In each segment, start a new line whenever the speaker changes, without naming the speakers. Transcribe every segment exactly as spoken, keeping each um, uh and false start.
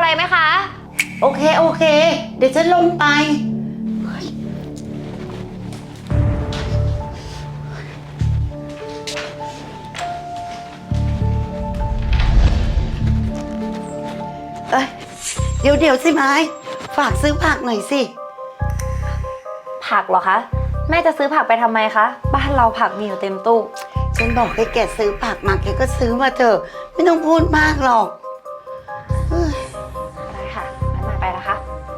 ไหมคะ
โอเคโอเคเดี๋ยวฉันลงไปเอ้ยเดี๋ยวเดี๋ยวสิไม้ฝากซื้อผักหน่อยสิ
ผักเหรอคะแม่จะซื้อผักไปทำไมคะบ้านเราผักมีอยู่เต็มตู้
ฉันบอกให้แกซื้อผักมาแกก็ซื้อมาเถอะไม่ต้องพูดมากหรอก
ได้ค่ะงั้นมาไปนะคะ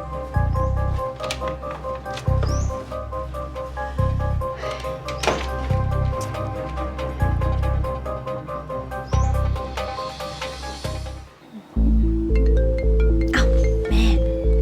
อ้าวแม่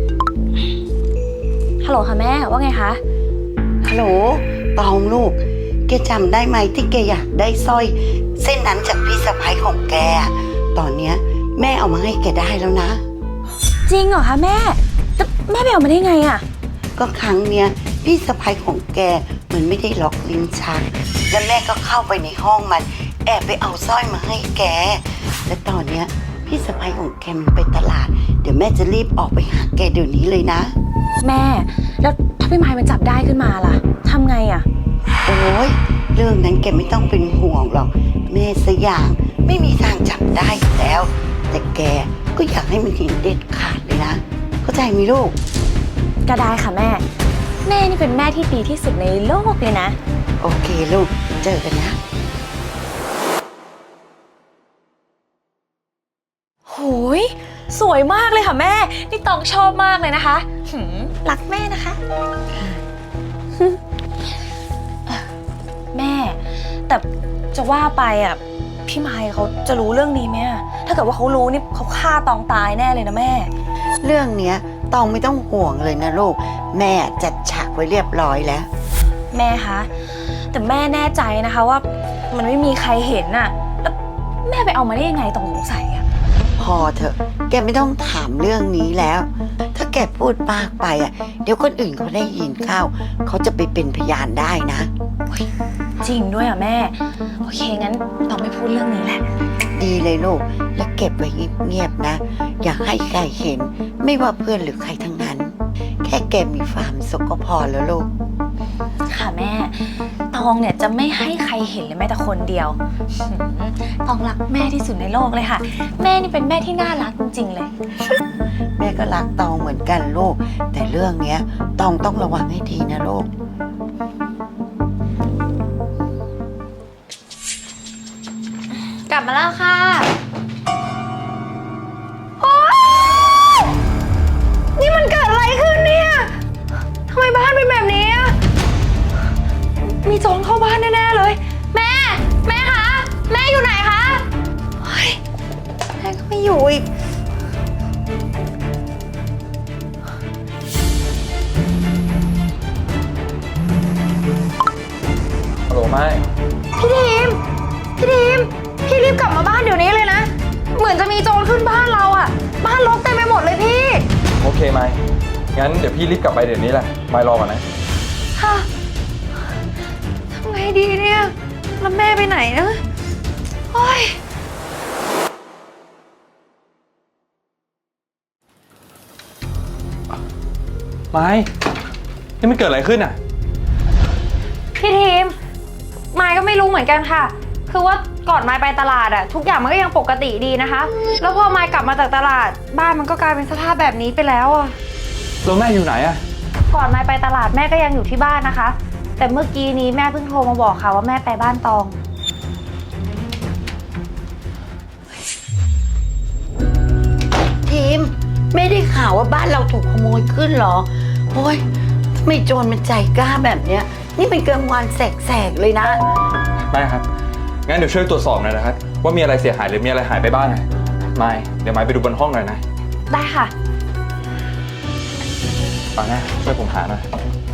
ฮัลโหลค่ะแม่ว่าไงคะ
ฮัลโหลตองลูกแกจำได้ไหมที่แกอยากได้สร้อยเส้นนั้นจากพี่สะใภ้ของแกตอนเนี้ยแม่เอามาให้แกได้แล้วนะ
จริงเหรอคะแม่แต่แม่ไปเอามาได้ไงอ่ะ
ก็ครั้งเนี้ยพี่สะใภ้ของแกมันไม่ได้ล็อกลิ้นชักแล้วแม่ก็เข้าไปในห้องมันแอบไปเอาสร้อยมาให้แกและตอนเนี้ยพี่สะใภ้ของแกมันไปตลาดเดี๋ยวแม่จะรีบออกไปหาแกเดี๋ยวนี้เลยนะ
แม่แล้วถ้าพี่ไม้มันจับได้ขึ้นมาล่ะทำไงอ่ะ
โอ้ยเรื่องนั้นแกไม่ต้องเป็นห่วงหรอกแม่สยามไม่มีทางจับได้แล้วแต่แกก็อยากให้มันเห็นเด็ดขาดเลยนะเข้าใจไหมลูก
ก็ได้ค่ะแม่แม่นี่เป็นแม่ที่ดีที่สุดในโลกเลยนะ
โอเคลูกเจอกันนะ
โหยสวยมากเลยค่ะแม่นี่ตองชอบมากเลยนะคะหืมรักแม่นะคะแม่แต่จะว่าไปอ่ะพี่ไมค์เขาจะรู้เรื่องนี้ไหมถ้าเกิดว่าเขารู้นี่เขาฆ่าตองตายแน่เลยนะแม่
เรื่องเนี้ยตองไม่ต้องห่วงเลยนะลูกแม่จัดฉากไว้เรียบร้อยแล้ว
แม่คะแต่แม่แน่ใจนะคะว่ามันไม่มีใครเห็นน่ะแล้วแม่ไปเอามาได้ยังไงตองสงสัยอ่ะ
พอเถอะแกไม่ต้องถามเรื่องนี้แล้วถ้าแกพูดมากไปอ่ะเดี๋ยวคนอื่นเขาได้ยินเข้าเขาจะไปเป็นพยานได้นะ
จริงด้วยอ่ะแม่โอเคงั้นต้องไม่พูดเรื่องนี้แหละ
ดีเลยลูกและเก็บไว้เงียบๆนะอย่าให้ใครเห็นไม่ว่าเพื่อนหรือใครทั้งนั้นแค่แกมีความสุขก็พอแล้วลูก
ค่ะแม่ตองเนี่ยจะไม่ให้ใครเห็นเลยแม้แต่คนเดียวตองรักแม่ที่สุดในโลกเลยค่ะแม่นี่เป็นแม่ที่น่ารักจริงๆเลย
แม่ก็รักตองเหมือนกันลูกแต่เรื่องเนี้ยตองต้องระวังให้ดีนะลูก
กลับมาแล้วค่ะโอ๊ยนี่มันเกิดอะไรขึ้นเนี่ยทำไมบ้านเป็นแบบนี้อะมีโจรเข้าบ้านแน่ๆเลยแม่แม่คะแม่อยู่ไหนคะเฮ้ยแม่ก็ไม่อยู่อีก
ฮัลโหลไม่
พี่ทีมพี่ทีมพี่รีบกลับมาบ้านเดี๋ยวนี้เลยนะเหมือนจะมีโจรขึ้นบ้านเราอ่ะบ้านรกเต็มไปหมดเลยพี่
โอเคไหมงั้นเดี๋ยวพี่รีบกลับไปเดี๋ยวนี้แหละไม่รอก่อนนะ
ค่ะทำไงดีเนี่ยแล้วแม่ไปไหนนะโอ๊ย
ไม่นี่มันเกิดอะไรขึ้นอ่ะ
พี่ทีมไม้ก็ไม่รู้เหมือนกันค่ะคือว่าก่อนไม้ไปตลาดอะทุกอย่างมันก็ยังปกติดีนะคะแล้วพอไม้กลับมาจากตลาดบ้านมันก็กลายเป็นสภาพแบบนี้ไปแล้วอะ
แล้วแม่อยู่ไหนอะ
ก่อนไม้ไปตลาดแม่ก็ยังอยู่ที่บ้านนะคะแต่เมื่อกี้นี้แม่เพิ่งโทรมาบอกค่ะว่าแม่ไปบ้านตอง
ทีมไม่ได้ข่าวว่าบ้านเราถูกขโมยขึ้นหรอโอ้ยทำไมโจรมันใจกล้าแบบเนี้ยนี่เป็นกลางวันแสกๆเลยนะ
แม่ครับงั้นเดี๋ยวช่วยตรวจสอบหน่อยนะครับว่ามีอะไรเสียหายหรือมีอะไรหายไปบ้างนะไม่เดี๋ยวไม่ไปดูบนห้องหน่อยนะ
ได้ค่ะ
ฟังนะช่วยผมหาหน่อย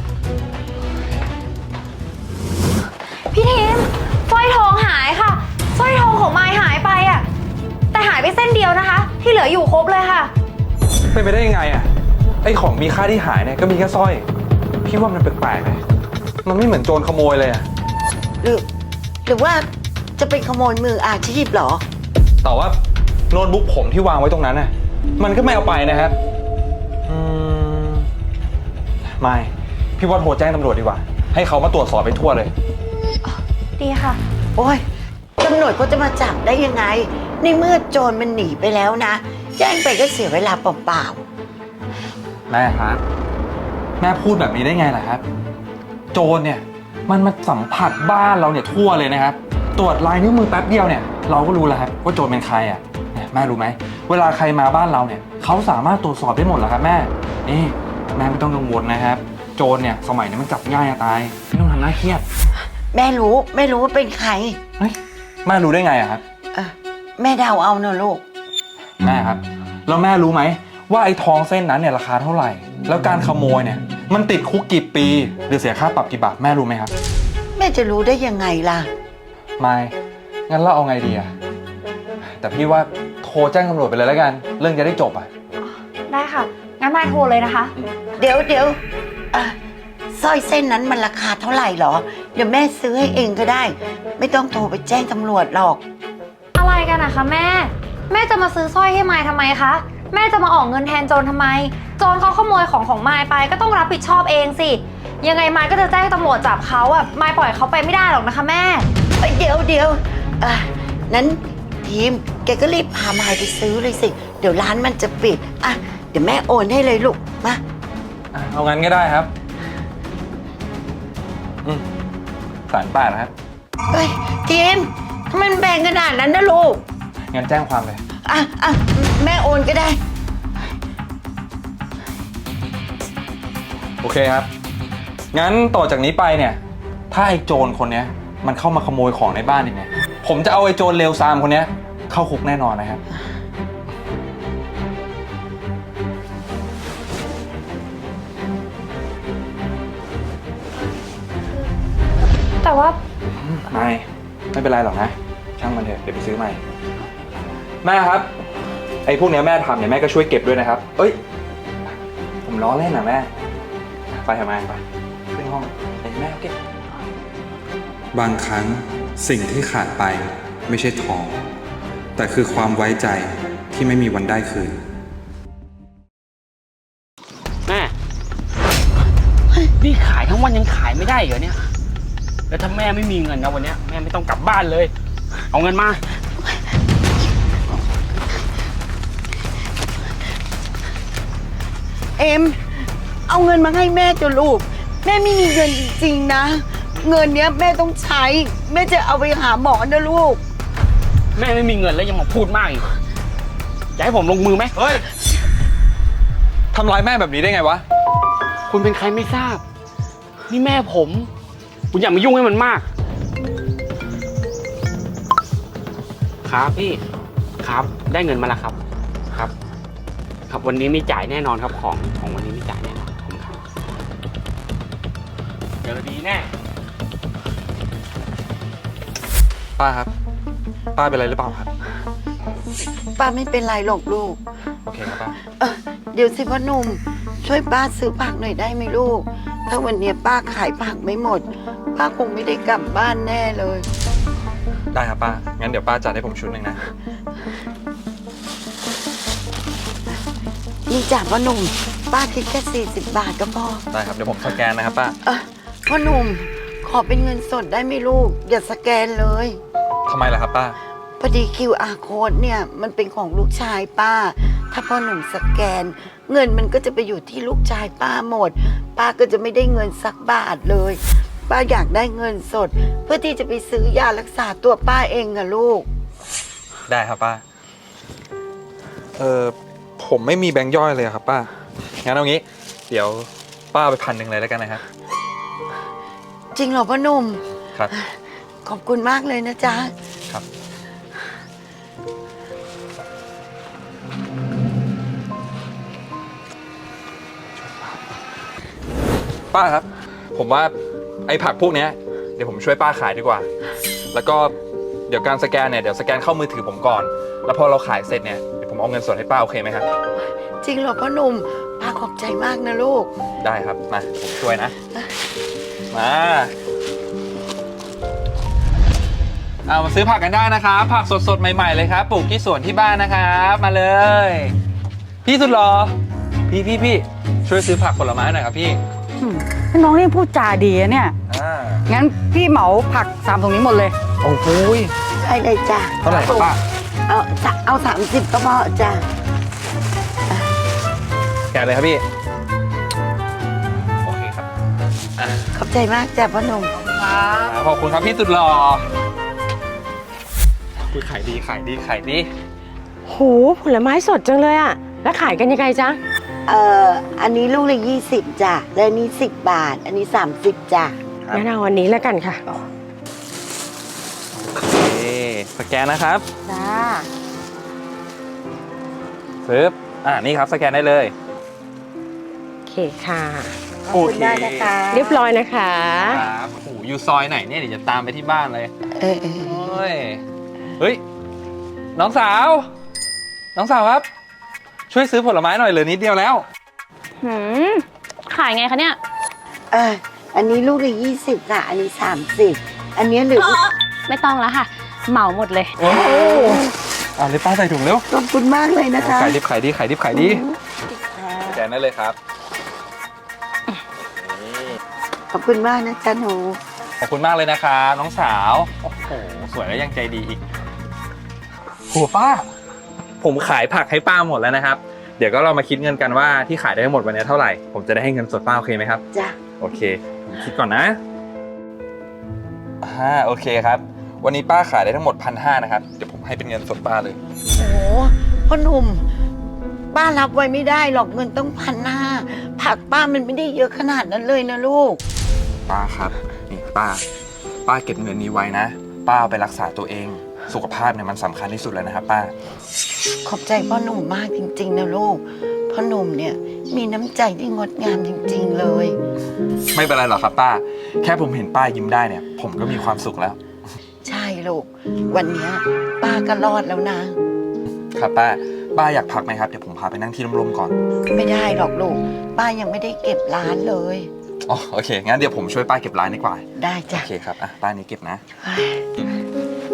พี่ทีมสร้อยทองหายค่ะสร้อยทองของไม้หายไปอ่ะแต่หายไปเส้นเดียวนะคะที่เหลืออยู่ครบเลยค่ะ
เป็นไปได้ยังไงอ่ะไอ้ของมีค่าที่หายเนี่ยก็มีแค่สร้อยพี่ว่ามันแปลกๆไหมมันไม่เหมือนโจรขโมยเลยอ่ะ
หรือหรือว่าจะเป็นขโมยมืออาชีพเหรอ
แต่ว่าโน้ตบุ๊กผมที่วางไว้ตรงนั้นน่ะมันก็ไม่เอาไปนะครับ อืม ไม่ พี่ว่าโทรแจ้งตำรวจดีกว่า ให้เขามาตรวจสอบไปทั่วเลย
ดีค่ะ
โอ้ยตำรวจก็จะมาจับได้ยังไง ในเมื่อโจรมันหนีไปแล้วนะ แจ้งไปก็เสียเวลาเปล่า
แม่ครับ แม่พูดแบบนี้ได้ไงล่ะครับ โจรเนี่ย มันมาสัมผัสบ้านเราเนี่ยทั่วเลยนะครับ ตรวจลายนิ้วมือแป๊บเดียวเนี่ย เราก็รู้แล้วครับว่าโจรเป็นใครอ่ะเนี่ยแม่รู้ไหม เวลาใครมาบ้านเราเนี่ยเขาสามารถตรวจสอบได้หมดแล้วครับแม่ นี่แม่ไม่ต้องกังวลนะครับ โจรเนี่ยสมัยนี้มันจับง่ายจะตาย ไม่ต้องทำหน้าเครียด
ๆ แม่รู้แม่รู้ว่าเป็นใคร
เฮ้ยแม่รู้ได้ไงอะครับ
เออแม่เดาเอาเนอะลูก
แม่ครับแล้วแม่รู้ไหมว่าไอ้ทองเส้นนั้นเนี่ยราคาเท่าไหร่ แล้วการขโมยเนี่ยมันติดคุกกี่ปีหรือเสียค่าปรับกี่บาทแม่รู้ไหมครับ
แม่จะรู้ได้ยังไงล่ะ
ไม่งั้นเราเอาไงดีอะแต่พี่ว่าโทรแจ้งตำรวจไปเลยแล้วกัน เรื่องจะได้จบอะ
ได้ค่ะ งั้นมายโทรเลยนะคะ
เดี๋ยวเดี๋ยวอ่ะสร้อยเส้นนั้นมันราคาเท่าไหร่หรอ เดี๋ยวแม่ซื้อให้เองก็ได้ ไม่ต้องโทรไปแจ้งตำรวจหรอก
อะไรกันนะคะแม่ แม่จะมาซื้อสร้อยให้มายทำไมคะ แม่จะมาออกเงินแทนโจรทำไม โจรเขาขโมยของของมายไปก็ต้องรับผิดชอบเองสิ ยังไงมายก็จะแจ้งตำรวจจับเขาอะมายปล่อยเขาไปไม่ได้หรอกนะคะแม่
เอ้ยเดี๋ยวเดี๋ยวอ่ะนั้นทีมแกก็รีบพามายไปซื้อเลยสิ เดี๋ยวร้านมันจะปิด อ่ะ เดี๋ยวแม่โอนให้เลยลูก มา
อ่ะเอางั้นก็ได้ครับอืมสารแปดนะครับ
เฮ้ยทีมทำไมมันแบ่งขนาดนั้นนะลูก
งั้นแจ้งความเลย
อ่ะอ่ะแม่โอนก็ได้
โอเคครับ งั้นต่อจากนี้ไปเนี่ย ถ้าไอ้โจรคนเนี้ยมันเข้ามาขโมยของในบ้านอีกเนี่ย ผมจะเอาไอ้โจรเลวซามคนเนี้ยเข้าคุกแน่นอนนะครับ
แต่ว่า
ไม่ไม่เป็นไรหรอกนะ ช่างมันเถอะเดี๋ยวไปซื้อใหม่ แม่ครับ ไอ้พวกเนี้ยแม่ทำเนี่ยแม่ก็ช่วยเก็บด้วยนะครับ เอ้ย ผมล้อเล่นนะแม่ ไปทำไมไปขึ้นห้องเดี๋ยวแม่เอาเก็บ
บางครั้งสิ่งที่ขาดไปไม่ใช่ทอง แต่คือความไว้ใจที่ไม่มีวันได้คืน
แม่นี่ขายทั้งวันยังขายไม่ได้เหรอเนี่ย แล้วถ้าแม่ไม่มีเงินนะวันเนี้ยแม่ไม่ต้องกลับบ้านเลย เอาเงินมา
เอ็ม เอาเงินมาให้แม่จ้ะลูก แม่ไม่มีเงินจริงๆนะ เงินเนี้ยแม่ต้องใช้ แม่จะเอาไปหาหมอนะลูก
แม่ไม่มีเงินแล้วยังมาพูดมากอีกจะให้ผมลงมือไหม
เฮ้ย ทำร้ายแม่แบบนี้ได้ไงวะ
คุณเป็นใครไม่ทราบ นี่แม่ผม คุณอย่ามายุ่งให้มันมาก ครับพี่ ครับ ได้เงินมาแล้วครับ ครับ ครับวันนี้มีจ่ายแน่นอนครับของของวันนี้มีจ่ายแน่นอนขอบคุณครับเดี๋ยวดีแน่
ป้าครับ ป้าเป็นอะไรหรือเปล่าครับ
ป้าไม่เป็นไรหรอกลูก
โอเคครับป้า
เออเดี๋ยวสิพ่อหนุ่มช่วยป้าซื้อผักหน่อยได้ไหมลูก ถ้าวันเนี้ยป้าขายผักไม่หมด ป้าคงไม่ได้กลับบ้านแน่เลย
ได้ครับป้า งั้นเดี๋ยวป้าจัดให้ผมชุดหนึ่งนะ
นี่จ้ะพ่อหนุ่ม ป้าคิดแค่สี่สิบบาทก็พอ
ได้ครับ เดี๋ยวผมสแกนนะครับป้า
เออพ่อหนุ่มขอเป็นเงินสดได้ไหมลูก อย่าสแกนเลย
ทำไมล่ะครับป้า
พอดี คิว อาร์ code เนี่ยมันเป็นของลูกชายป้า ถ้าพ่อหนุ่มสแกน เงินมันก็จะไปอยู่ที่ลูกชายป้าหมด ป้าก็จะไม่ได้เงินสักบาทเลย ป้าอยากได้เงินสด เพื่อที่จะไปซื้อยารักษาตัวป้าเองอะลูก
ได้ครับป้า เออผมไม่มีแบงค์ย่อยเลยครับป้า งั้นเอางี้ เดี๋ยวป้าเอาไปพันหนึ่งเลยแล้วกันนะครับ
จริงเหรอพ่อหนุ่ม
ครับ
ขอบคุณมากเลยนะจ๊ะ
ครับ ป้าครับ ผมว่าไอ้ผักพวกเนี้ยเดี๋ยวผมช่วยป้าขายดีกว่า แล้วก็เดี๋ยวการสแกนเนี่ยเดี๋ยวสแกนเข้ามือถือผมก่อน แล้วพอเราขายเสร็จเนี่ยเดี๋ยวผมเอาเงินสดให้ป้าโอเคไหมครับ
จริงเหรอพ่อหนุ่ม ป้าขอบใจมากนะลูก
ได้ครับ มาผมช่วยนะ มาเอามาซื้อผักกันได้นะครับ ผักสดๆใหม่ๆเลยครับ ปลูกที่สวนที่บ้านนะครับ มาเลยพี่สุดหรอพี่พี่พี่ช่วยซื้อผักผลไม้หน่อยครับพี่
อืมน้องนี่พูดจาดีอะเนี่ย
อ่า
งั้นพี่เหมาผักสามถุงนี้หมดเลย
โอ้โหย
ได้เลยจ้ะ
เท่าไหร่ครับป้า
เอาจะเอาสามสิบก็พอจ้ะ
แกะเลยครับพี่โอเคครับอ่า
ขอบใจมากจ้ะพ่อหนุ่ม
ขอบคุณครับพี่สุดหล่อคุยขายดีขายดีขายดี
โหผลไม้สดจังเลยอะแล้วขายกันยังไงจ๊ะ
เอ่อ อันนี้ลูกละยี่สิบจ้ะ และอันนี้สิบบาท อันนี้สามสิบจ้ะ
ครับ
งั้นเอาวันนี้แล้วกันค่ะ
โอเคสแกนนะครับ
จ้า
ปึ๊บอ่านี่ครับสแกนได้เลย
โอเคค่ะ
ขอบคุณมากนะคะ
เรียบร้อยนะคะ
ครับโอ้โหอยู่ซอยไหนเนี่ยเดี๋ยวจะตามไปที่บ้านเลย
เออเออ
โอ้ยเฮ้ยน้องสาว น้องสาวครับ ช่วยซื้อผลไม้หน่อยเหลือนิดเดียวแล้ว
หืม ขายไงคะเนี่ย
เออ อันนี้ลูกละยี่สิบค่ะ อันนี้สามสิบอันนี้เหลือ
ไม่ต้องแล้วค่ะ เหมาหมดเลย
โอ้อ่าเลยป้าใส่ถุงเร็ว
ขอบคุณมากเลยนะคะ
ขายดิบขายดีขายดิบขายดีสแกนได้เลยครับนี่
ขอบคุณมากนะจ๊ะหนู
ขอบคุณมากเลยนะครับน้องสาวโอ้โหสวยแล้วยังใจดีอีกโหป้า ผมขายผักให้ป้าหมดแล้วนะครับ เดี๋ยวก็เรามาคิดเงินกันว่าที่ขายได้ทั้งหมดวันนี้เท่าไหร่ผมจะได้ให้เงินสดป้าโอเคไหมครับ
จ้ะ
โอเคผมคิดก่อนนะอ่าโอเคครับ วันนี้ป้าขายได้ทั้งหมดพันห้านะครับเดี๋ยวผมให้เป็นเงินสดป้าเลย
โอ้โหพ่อหนุ่ม ป้ารับไว้ไม่ได้หรอกเงินต้องพันห้าผักป้ามันไม่ได้เยอะขนาดนั้นเลยนะลูก
ป้าครับนี่ป้า ป้าเก็บเงินนี้ไว้นะ ป้าเอาไปรักษาตัวเอง สุขภาพเนี่ยมันสำคัญที่สุดเลยนะครับ ป้า
ขอบใจพ่อหนุ่มมากจริงๆนะลูก พ่อหนุ่มเนี่ยมีน้ำใจที่งดงามจริงๆเลย
ไม่เป็นไรหรอกครับป้า แค่ผมเห็นป้ายิ้มได้เนี่ย ผมก็มีความสุขแล้ว
ใช่ลูก วันเนี้ยป้าก็รอดแล้วนะ
ครับป้า ป้าอยากพักไหมครับเดี๋ยวผมพาไปนั่งที่ร่มๆก่อน
ไม่ได้หรอกลูก ป้ายังไม่ได้เก็บร้านเลย
อ๋อโอเคงั้นเดี๋ยวผมช่วยป้าเก็บร้านดีกว่า
ได้จ้ะ
โอเคครับอ่ะป้านี้เก็บนะ
เฮ้ย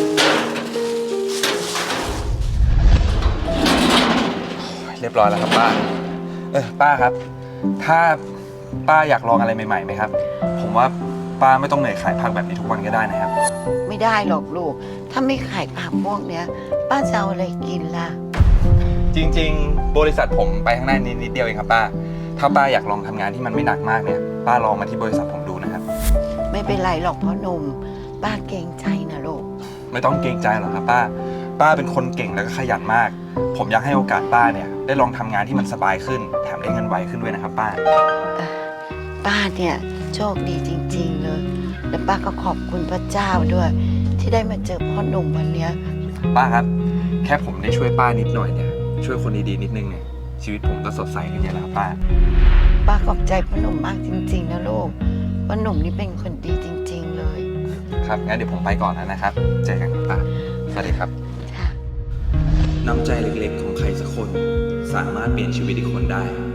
เรียบร้อยแล้วครับป้า เออป้าครับ ถ้าป้าอยากลองอะไรใหม่ๆไหมครับ ผมว่าป้าไม่ต้องเหนื่อยขายผักแบบนี้ทุกวันก็ได้นะครับ
ไม่ได้หรอกลูก ถ้าไม่ขายผักพวกเนี้ย ป้าจะเอาอะไรกินล่ะ
จริงๆ บริษัทผมไปข้างหน้านิดนิดเดียวเองครับป้า ถ้าป้าอยากลองทำงานที่มันไม่หนักมากเนี่ย ป้าลองมาที่บริษัทผมดูนะครับ
ไม่เป็นไรหรอกพ่อหนุ่ม ป้าเกรงใจนะลูก
ไม่ต้องเกรงใจหรอกครับป้า ป้าเป็นคนเก่งแล้วก็ขยันมาก ผมอยากให้โอกาสป้าเนี่ยได้ลองทำงานที่มันสบายขึ้น แถมได้เงินไวขึ้นด้วยนะครับป้า
ป้าเนี่ยโชคดีจริงๆเลย และป้าก็ขอบคุณพระเจ้าด้วย ที่ได้มาเจอพ่อหนุ่มวันเนี้ย
ป้าครับ แค่ผมได้ช่วยป้านิดหน่อยเนี่ย ช่วยคนดีๆนิดนึงเนี่ย ชีวิตผมก็สดใสขึ้นเยอะแล้วครับป้า
ป้าขอบใจพ่อหนุ่มมากจริงๆนะลูกพ่อหนุ่มนี่เป็นคนดีจริง ๆเลย
ครับ งั้นเดี๋ยวผมไปก่อนแล้วนะครับ เจอกันครับป้า สวัสดีครับ
ค่ะ
น้ำใจเล็กๆของใครสักคน สามารถเปลี่ยนชีวิตอีกคนได้